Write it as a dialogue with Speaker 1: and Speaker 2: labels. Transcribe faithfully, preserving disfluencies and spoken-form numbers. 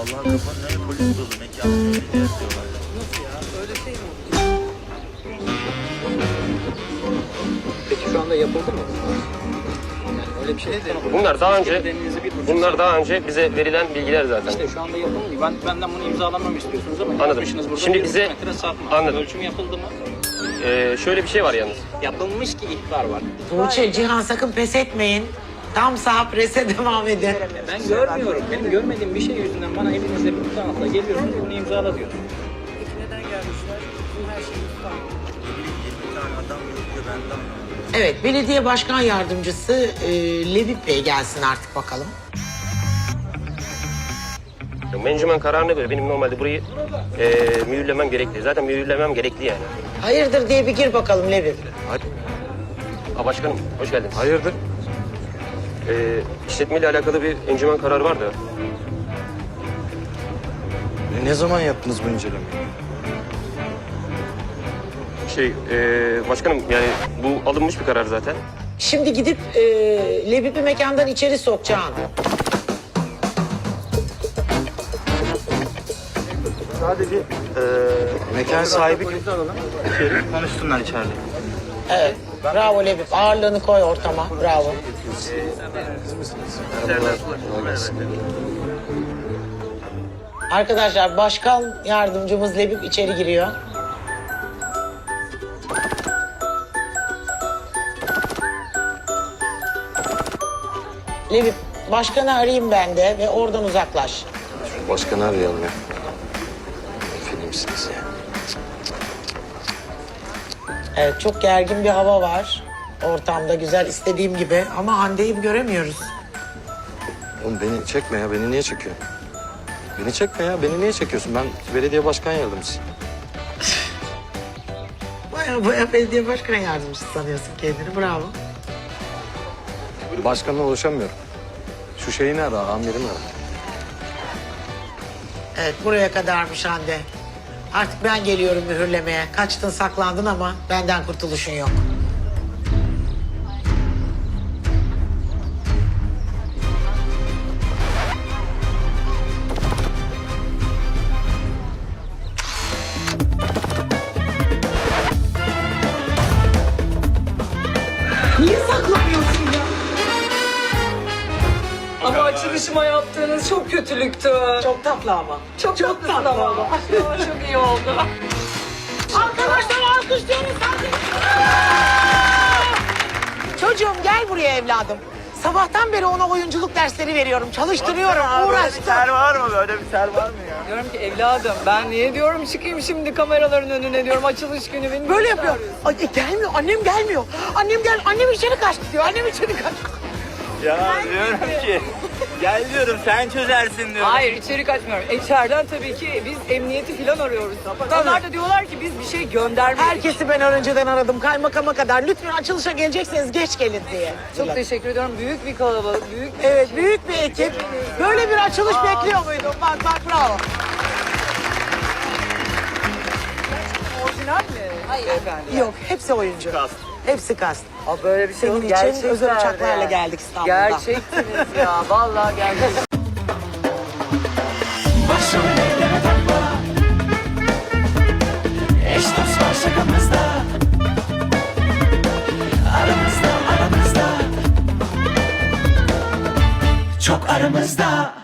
Speaker 1: Vallahi kafanın önü polis dolu. Mekanın önünde yazıyorlar.
Speaker 2: Nasıl ya? Öyle şey mi oldu? Peki şu anda yapıldı mı? Yani öyle bir şey de.
Speaker 3: Bunlar daha önce
Speaker 2: Kendinizi bir buçuk
Speaker 3: bunlar
Speaker 2: saat-
Speaker 3: daha önce bize verilen bilgiler zaten.
Speaker 2: İşte şu anda yapıldı. Ben benden bunu imzalamamı istiyorsunuz ama
Speaker 3: Anladım.
Speaker 2: yapmışsınız burada.
Speaker 3: Şimdi
Speaker 2: bir
Speaker 3: bize-
Speaker 2: buçuk metre sapma.
Speaker 3: Anladım.
Speaker 2: Ölçüm yapıldı mı?
Speaker 3: Ee, şöyle bir şey var yalnız.
Speaker 2: Yapılmış ki ihbar var.
Speaker 4: Tuğçe, Cihan sakın pes etmeyin. Tam sağ prese devam edin.
Speaker 2: Ben görmüyorum. Benim görmediğim bir şey yüzünden bana elinizde bir tutanakla geliyorsunuz, bunu imzala diyorsunuz.
Speaker 4: Neden gelmişler? Bu her şeyi tutar.
Speaker 1: yirmi tane adam yürüyor, ben de anlamadım.
Speaker 4: Evet, belediye başkan yardımcısı e, Levip Bey gelsin artık bakalım.
Speaker 3: Mencümen kararına göre benim normalde burayı e, mühürlemem gerekli. Zaten mühürlemem gerekli yani.
Speaker 4: Hayırdır diye bir gir bakalım Levip.
Speaker 3: Aa, başkanım hoş geldin.
Speaker 5: Hayırdır?
Speaker 3: Ee, işletmeyle alakalı bir encümen kararı var da.
Speaker 5: E, ne zaman yaptınız bu incelemeyi?
Speaker 3: Şey e, başkanım yani bu alınmış bir karar zaten.
Speaker 4: Şimdi gidip e, Levip'i mekandan içeri sokacağım.
Speaker 1: Sadece eee
Speaker 5: Mekan sahibi kim?
Speaker 1: içeri konuşsunlar içeride.
Speaker 4: Evet, bravo Levip. Ağırlığını koy ortama, bravo. Arkadaşlar, başkan yardımcımız Levip içeri giriyor. Levip, başkanı arayayım ben de ve oradan uzaklaş.
Speaker 5: Başkanı arayalım ya. Filmsiniz ya.
Speaker 4: Evet, çok gergin bir hava var. Ortamda güzel, istediğim gibi. Ama Hande'yi göremiyoruz.
Speaker 5: Oğlum beni çekme ya. Beni niye çekiyorsun? Beni çekme ya. Beni niye çekiyorsun? Ben belediye başkan yardımcısıyım.
Speaker 4: Baya baya belediye başkan yardımcısı sanıyorsun kendini, bravo.
Speaker 5: Başkanla ulaşamıyorum. Şu şeyini ara, amirini ara.
Speaker 4: Evet, buraya kadarmış Hande. Artık ben geliyorum mühürlemeye. Kaçtın, saklandın ama benden kurtuluşun yok. Niye saklanıyorsun ya?
Speaker 6: Ama açılışıma yaptığınız çok kötülüktü.
Speaker 4: Çok tatlı ama.
Speaker 6: Çok,
Speaker 4: çok
Speaker 6: tatlısın
Speaker 4: tatlı
Speaker 6: ama.
Speaker 4: ama.
Speaker 6: Çok iyi oldu.
Speaker 4: Arkadaşlar alkışlıyoruz. Çocuğum gel buraya evladım. Sabahtan beri ona oyunculuk dersleri veriyorum. Çalıştırıyorum, uğraştım.
Speaker 1: Ser var mı? Böyle bir ser var mı ya?
Speaker 6: Diyorum ki evladım ben niye diyorum çıkayım şimdi kameraların önüne diyorum açılış günü beni.
Speaker 4: Böyle yapıyor. Ay, e, gelmiyor, annem gelmiyor. Annem gel, annem içeri kaçtı diyor. Annem içeri kaçtı.
Speaker 1: Ya diyorum ki gel diyorum sen çözersin diyorum.
Speaker 6: Hayır içeri kaçmıyorum. İçeriden tabii ki biz emniyeti falan arıyoruz. Onlar da diyorlar ki biz bir şey göndermedik.
Speaker 4: Herkesi ben önceden aradım, kaymakama kadar. Lütfen açılışa gelecekseniz geç gelin diye.
Speaker 6: Çok teşekkür ediyorum. Büyük bir kalabalık, büyük bir...
Speaker 4: Evet, büyük bir ekip. Böyle bir açılış bekliyor muydun? Bak bak, bravo.
Speaker 6: Orijinal mi? Hayır efendim.
Speaker 4: Yok, hepsi oyuncu.
Speaker 1: Kast.
Speaker 4: Hepsi kast.
Speaker 6: Aa, böyle bir şey
Speaker 4: Senin
Speaker 6: yok.
Speaker 4: için
Speaker 6: Gerçekten
Speaker 4: özel uçaklarla
Speaker 6: yani.
Speaker 4: geldik İstanbul'dan.
Speaker 6: Gerçektiniz ya. Vallahi gerçekten.
Speaker 7: Başımı elleme takma. Eş dost var şakamızda. Aramızda aramızda. Çok aramızda.